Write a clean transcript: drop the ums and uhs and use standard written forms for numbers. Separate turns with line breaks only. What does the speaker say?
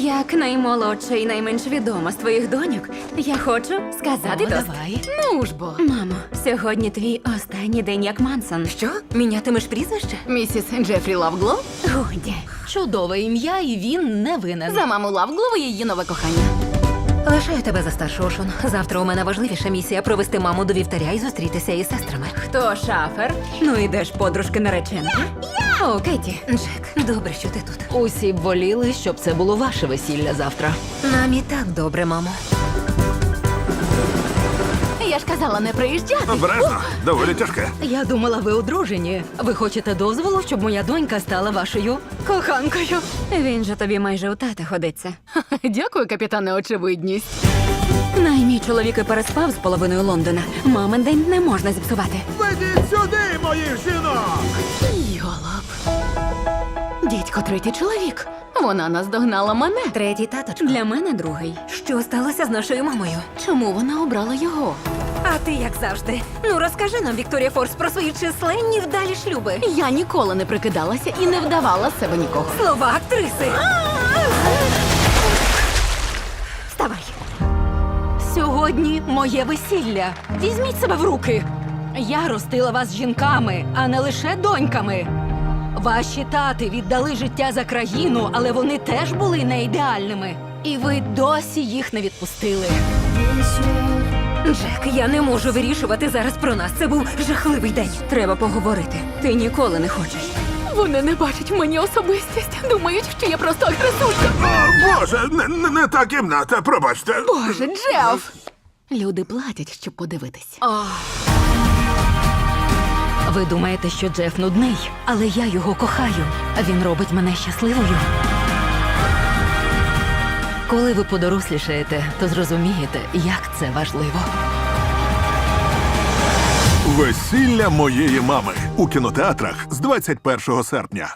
Як наймолодша і найменш відома з твоїх доньок, я хочу сказати тост.
Давай.
Ну ж бо.
Мамо, сьогодні твій останній день як Мансон.
Що? Мінятимеш прізвище? Місіс Джефрі Лавглоу?
Годі.
Чудове ім'я, і він не винен.
За маму Лавглоу і її нове кохання.
Лишаю тебе за старшу, Ошон. Завтра у мене важливіша місія провести маму до вівтаря і зустрітися із сестрами.
Хто шафер? Ну ідеш, подружки нареченки. О, Кеті.
Джек, добре, що ти тут.
Усі б воліли, щоб це було ваше весілля завтра.
Нам і так добре, мамо.
Я ж казала не приїжджати.
Обережно, доволі тяжке.
Я думала, ви одружені. Ви хочете дозволу, щоб моя донька стала вашою коханкою?
Він же тобі майже у тата ходиться.
Дякую, капітане Очевидність.
Наймій чоловік і переспав з половиною Лондона. Мамин день не можна зіпсувати.
Ведіть сюди, моїх жінок!
Йолоп. Дідько, третій чоловік. Вона наздогнала мене.
Третій таточко.
Для мене другий.
Що сталося з нашою мамою?
Чому вона обрала його?
А ти як завжди. Ну розкажи нам, Вікторія Форс, про свої численні вдалі шлюби.
Я ніколи не прикидалася і не вдавала з себе нікого.
Слова актриси. Вставай.
Сьогодні моє весілля. Візьміть себе в руки. Я ростила вас жінками, а не лише доньками. Ваші тати віддали життя за країну, але вони теж були не ідеальними. І ви досі їх не відпустили.
Джек, я не можу вирішувати зараз про нас. Це був жахливий день.
Треба поговорити. Ти ніколи не хочеш.
Вони не бачать в мені особистість. Думають, що я просто агресулька.
О, Боже, не та кімната, пробачте.
Боже, Джеф! Люди платять, щоб подивитись.
Ви думаєте, що Джеф нудний, але я його кохаю. Він робить мене щасливою. Коли ви подорослішаєте, то зрозумієте, як це важливо.
Весілля моєї мами у кінотеатрах з 21 серпня.